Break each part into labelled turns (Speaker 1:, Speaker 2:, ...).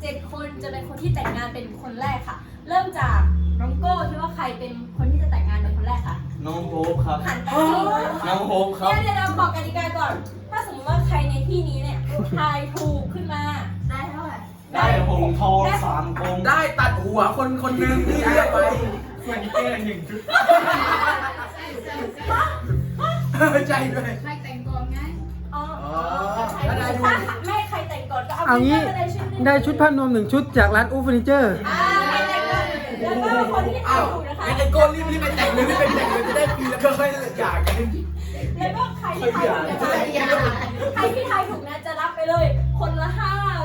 Speaker 1: 7 คนจะเป็นคนที่แต่งงานเป็นคนแรกค่ะ เริ่มจากน้องโก้คิดว่าใครเป็นคนที่จะแต่งงานเป็นคนแรกค่ะ
Speaker 2: น้องโฮปครับ
Speaker 1: หันไปที่
Speaker 2: น้องโฮปครับ
Speaker 1: เดี๋ยวเราบอกกติกาก่อน ถ้าสมมติว่าใครในที่นี้เนี่ยทายถูกขึ้นมาได้เท่าไหร่
Speaker 2: ได้หงทอง3กง
Speaker 3: ได้ตัดหัวคนหนึ่งที่เลือกไป
Speaker 4: เฟอร์นิเจอร์1 ชุด
Speaker 3: ใจด้วย
Speaker 5: ใครแต่งก่อนไง
Speaker 1: อ๋อ
Speaker 3: ถ้าได้ดู
Speaker 1: ถ้าไม่ใครแต่งก่อนก็เอา
Speaker 6: เอางี้
Speaker 1: ไปเลยชุดหนึ่ง
Speaker 6: ได้ชุดผ้านวม1 ชุดจากร้านอูเฟอร์นิเจอร์
Speaker 1: แล้วก็คนที่ทา
Speaker 3: อ้า
Speaker 1: ยว ถูกนะคะ
Speaker 3: ไอ้โก้รีบไปแต่งเลยรีบไปแต่งเลยจะได้ปีแล้วก็ค่อยอยากกัน
Speaker 1: แล้วก็ใครที่ทายถูกนะคะใครที่ทายถูกนะจะรับไปเลย คนละ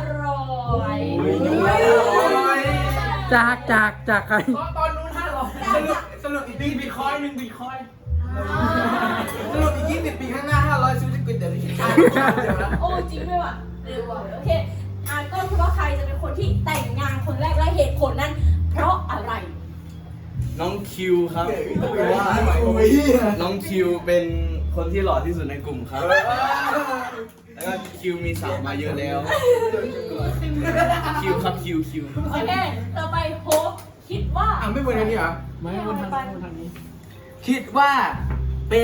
Speaker 1: 500
Speaker 6: จากใคร
Speaker 3: ตอนนู้น500สรุปอีกปีบิตคอยน์1 บิตคอยน์สรุปอีก20 ปีข้างหน้า500ซื้อจะกินเดี๋ยวนี้คิดค่าเดี๋ยวนะ
Speaker 1: โอ้จริงด้วยว่ะเร็วว่ะโอเคก็คือว่าใครจะเป็นคนที่แต่งงานคนแรกและเหตุผลนั้น เพราะอะไร
Speaker 2: น้องคิวครับเพราะว่าน้องคิวเป็นคนที่หล่อที่สุดในกลุ่มครับ แล้วก็คิวมีสาวมาเยอะแล้ว คิวครับคิว
Speaker 1: โอเค ต่อไปโฮปคิดว่า
Speaker 3: ไม่เหมือนกันนี่เหรอ
Speaker 4: ไม่วนทางนี้
Speaker 3: คิดว่าเป็น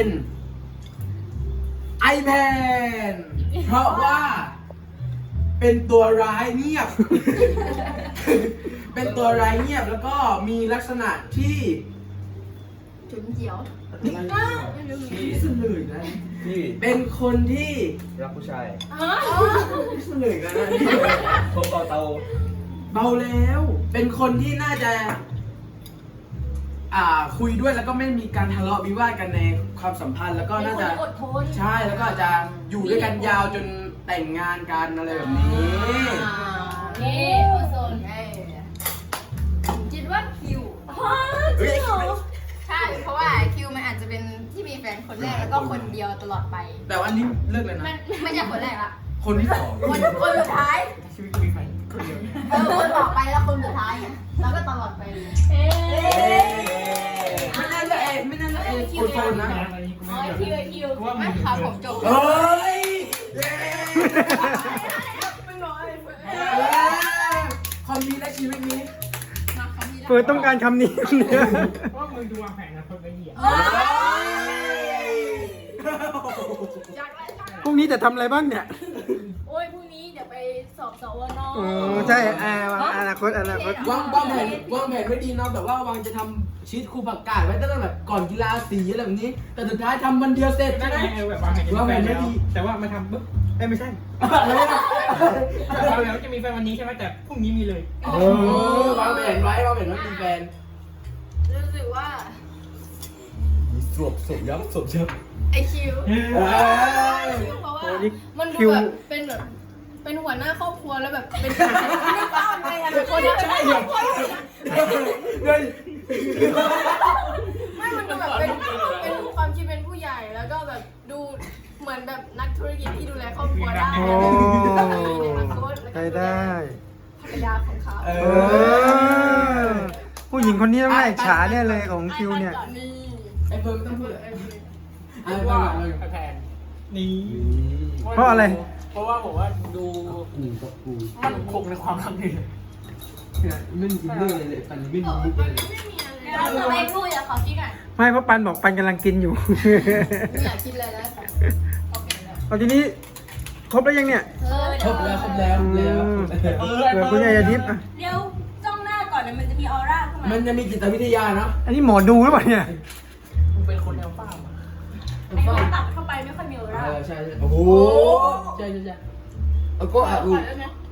Speaker 3: iPad เพราะว่าเป็นตัวร้ายเงียบ เป็นตัวร้ายเงียบแล้วก็มีลักษณะที่
Speaker 5: ฉุนเฉียว
Speaker 3: ที่เสนอนะ
Speaker 2: ที่
Speaker 3: เป็นคนที่
Speaker 2: รักผู้ชาย
Speaker 3: เสนอนะ
Speaker 2: พบเตา
Speaker 3: เบาแล้ว เป็นคนที่น่าจะ คุยด้วยแล้วก็ไม่มีการทะเลาะวิวาทกันในความสัมพันธ์แล้วก็
Speaker 1: เป็น
Speaker 3: น่า
Speaker 1: คน
Speaker 3: จะ
Speaker 1: ที่อดทน
Speaker 3: ใช่แล้วก็อาจจะอยู่ด้วยกันยาวจนแต่งงานกันอะไรแบบนี้
Speaker 1: นี่
Speaker 5: โอโซนคิดว่าคิว
Speaker 1: จริงเหรอ
Speaker 5: ใช่เพราะว่าคิวมันอาจจะเป็นที่มีแฟนคนแรกแล้วก็คนเดียวตลอดไป
Speaker 3: แต่ว่าอันนี้เลิกเลยนะ
Speaker 5: มันไม่ใช่คนแรกละ
Speaker 3: คนที่สอง
Speaker 5: คนสุดท้าย
Speaker 4: ชีวิตมีแฟนคนเดียว
Speaker 5: คนต่อไปแล้วคนสุดท้ายไงแล้วก็ตลอดไปเลย
Speaker 1: เอ๊ะ
Speaker 3: ไม่น่าจะไม่น่าจะคนโทนนะ
Speaker 4: อันนี้กู
Speaker 1: อ๋อ
Speaker 4: ไม่
Speaker 1: คิว
Speaker 4: เกี่ยว
Speaker 1: คิว
Speaker 4: ว่า
Speaker 5: ไม่
Speaker 4: มัน
Speaker 5: ค่ะผมจบ
Speaker 3: เฮ้ยความนี้และชีวิตนี้
Speaker 6: เฟิร์สต้องการคำนี้
Speaker 4: ว่ามึงดูวางแผนนะคนไม่ดีอ่ะ
Speaker 6: พรุ่งนี้จะทำอะไรบ้างเนี่ย
Speaker 1: โอ้ยพรุ่งนี้เดี๋ยวไปสอบสวน
Speaker 6: อ๋อใช่อนาคต
Speaker 3: วางแผนไว้ดีเนาะแบบว่าวางจะทำชีตครูประกาศไว้ตั้งแต่แบบก่อนกีฬาสีอะไรแบบนี้ แต่สุดท้ายทำวันเดียวเสร็จ
Speaker 4: นั่
Speaker 3: นะ
Speaker 4: นไงแบบวางแผนจะมีแฟนแล้วแต่ว่ามันทำปุ๊บไม่ใช่เราแล้วจะมีแฟนวันนี้ใช่ไหมแต่พรุ่งนี้มีเลย
Speaker 3: วางแผนไว้มีแฟน
Speaker 5: รู้สึกว่า
Speaker 2: สวบยับ
Speaker 5: ไอคิว
Speaker 3: เอ้ย
Speaker 5: คิวเพราะว่า
Speaker 6: โอ้นี่
Speaker 5: มัน
Speaker 6: คิ
Speaker 5: ดู
Speaker 6: ว
Speaker 5: แบบเป็นหัวหน้าครอบครัวแล้วแบบเป็นไม่กล้าไปอะคนที่เป็นครอบครัว
Speaker 3: เฮ้ย
Speaker 5: ไม่มันดูแบบเป็นความคิดเป็นผู้ใหญ่แล้วก็แบบดูเหมือนแบบนักธุรกิจที่ดูแลครอบครัวได้
Speaker 6: โอ้
Speaker 5: ในอนาคต
Speaker 6: ใช้ได้
Speaker 5: ภรรยาของเขา
Speaker 3: เอ
Speaker 6: เออผู้หญิงคนนี้ต้องได้ฉาแน่เลยของคิวเนี่ย
Speaker 5: นี่
Speaker 3: ไอ้เฟิร์นไม่ต้องพูดเลย
Speaker 4: ว่าแผนนี้
Speaker 6: เพราะอะไร
Speaker 4: เพราะว่าผมว่าดูมันคงในความรักนี่
Speaker 3: ไม่มีเรื่องเลยปันไม่มีมุกเลย
Speaker 1: เราจะไม่พูดอย่าขอคิดก่อน
Speaker 6: ไม่เพราะปันบอกปันกำลังกินอยู่
Speaker 5: ไม่อยากคิดเลยแล้ว
Speaker 6: เอาทีนี้ครบแล้วยังเนี่ย
Speaker 3: ครบแล้ว
Speaker 6: เผื่อคุณยายทิพย์อ่ะ
Speaker 1: เดี๋ยวจ้องหน้าก่อนนะมันจะมีออร่าเข้ามา
Speaker 3: มันจะมีจิตวิทยาเนาะ
Speaker 6: อันนี้หมอดูหรือเปล่าเนี่ย
Speaker 4: มึงเป็นคนแนวป้า
Speaker 1: ไอ้คนตัดเข้าไปไม่ค่อยมีออร่า
Speaker 3: ใช่โอ้โหใช่แล้วก็อ่ะอุ้ย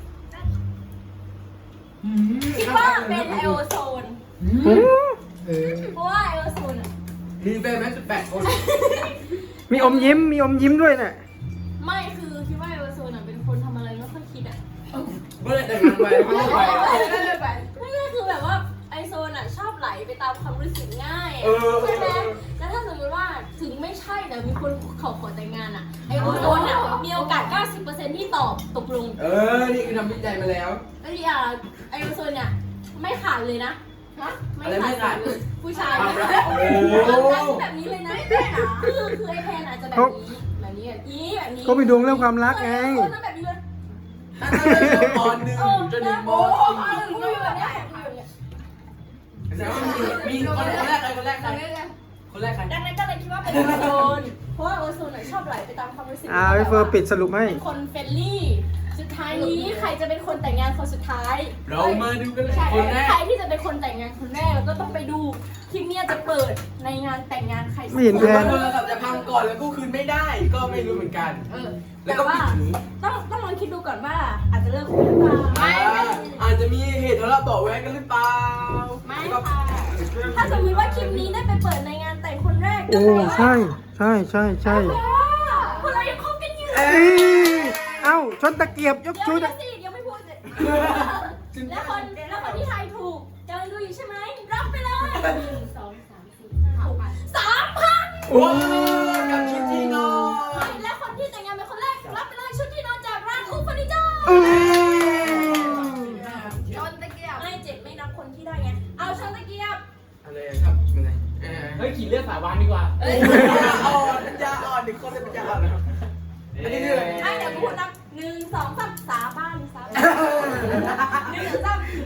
Speaker 1: คิดว่าเป็นไอโอโซน เพราะว่าไอโอโซนอ่ะ
Speaker 3: มีแฟนไหม18 คน
Speaker 6: มีอมยิ้มด้วยน่ะ
Speaker 1: ไม่คือคิดว่าไอโอโซนอ่ะเป็นคนทำอะไรไม่ค่อยคิดอ่ะ
Speaker 3: เมื่อไหร่แต่งงานไปไม่ได้ไป
Speaker 1: ไม่ใช่คือแบบว่าไอโซนอ่ะชอบไหลไปตามความรู้สึกง่าย
Speaker 3: เออ
Speaker 1: ใช่ไหมแล้วถ้าสมมติว่าถึงไม่ใช่แต่มีคนเขาขอแต่งงานอ่ะไอโอโซนอ่ะมีโอกาส 90%ที่ตกลง
Speaker 3: นี่คือทำวิจัยมาแล้ว
Speaker 1: แล้วที่ไอโอโซนเนี่ยไม่ขาดเลยนะ
Speaker 3: อะไรไม่ขาด
Speaker 1: เลยผู้ชาย
Speaker 3: ความรัก
Speaker 1: โอ้
Speaker 3: โอ้
Speaker 1: แบบนี้เลยนะไม่ได้นะคือไอแพนอาจจะแบบนี้แบบนี้
Speaker 6: เขาไปดวงเรื่องความรักไง
Speaker 1: แบบนี้เลย
Speaker 3: ถ้าเริ่มป .1 จนถึงป
Speaker 5: โอ้
Speaker 3: .4
Speaker 5: กูอยู่แบบเนี้ยกูอยู่แบบเนี้ย
Speaker 3: แสดงว่ามีคนแรกใครคนแรกใครคนแรกใคร
Speaker 1: ดังนั้นก็เลยคิดว่าเป็นโอโซน เพราะว่าโอโซนชอบไหลไปตามความรู้สึก
Speaker 6: พี่เฟิร์นปิดสรุปให้
Speaker 1: เป็นคนเฟรนลี่ สุดท้ายนี้ใครจะเป็นคนแต่งงานคนสุดท้าย
Speaker 3: เรามาดูกันเลย
Speaker 1: ใช่
Speaker 3: คนแรก
Speaker 1: ใครที่จะเป็นคนแต่งงานคนแรกแล้วก็ต้องไปดูคลิปเนี้ยจะเปิดในงานแต่งงานใครสัก
Speaker 6: ไม่เห็น
Speaker 1: ค
Speaker 6: แพน
Speaker 3: โทรศัพท์จะพังก่อนแล้วก็คืนไม่ได้ ก็ไม่รู้เหมือนกัน แล้
Speaker 1: แต่
Speaker 3: วก็
Speaker 1: ว่า
Speaker 3: ปิดหู
Speaker 1: ต้องลองคิดดูก่อนว่าอาจจะเลิกคุยหรือเปล่า
Speaker 3: อาจจะมีเหตุทะเลาะเบาะแว้งกันหรือเปล่า
Speaker 1: ไม่ค่ะถ้าสมมติว่าคลิปนี้ได้ไปเปิดในงานแต่งคนแรกก็
Speaker 6: โอ้
Speaker 1: แปลว่า
Speaker 6: ใช่
Speaker 1: พวกเรายังคบกันอยู่
Speaker 6: เอ้ยเอ้าชนตะเกียบยก
Speaker 1: เดี๋ยว
Speaker 6: ชุด
Speaker 1: เดี๋ยวสิเดี๋ยวไม่พูดเลยแล้วคนที่ทายถูกจะดูอยู่ใช่ไหมรับไปเลย1 2 3 4 5 6 3,000
Speaker 3: โอ้กับชุดที่นอน
Speaker 1: และคนที่แต่งงานเป็นคนแรกรับไปเลยชุดที่นอนจากร้านอูเฟอร์นิเจอร์
Speaker 6: เอ้ย
Speaker 5: ชนตะเกียบ
Speaker 1: ไม่เจ็บไม่นับคนที่ได้ไงเอาช้อนตะเกียบ
Speaker 3: อะไรครับเป็นไง
Speaker 4: เฮ้ยขี่เลือดสาบานดีกว่า
Speaker 3: ปัญญาอ่อนเด็กคนเป็นปัญญาอ่อนนะครับอันนี้คืออะไร
Speaker 1: ไอ้เดี๋ยวกูนับ1 2 3สาบาน1 2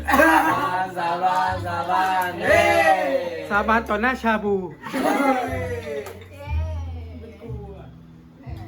Speaker 1: 3
Speaker 2: สาบาน
Speaker 6: สาบานต่อหน้าชาบู
Speaker 3: เฮ้ย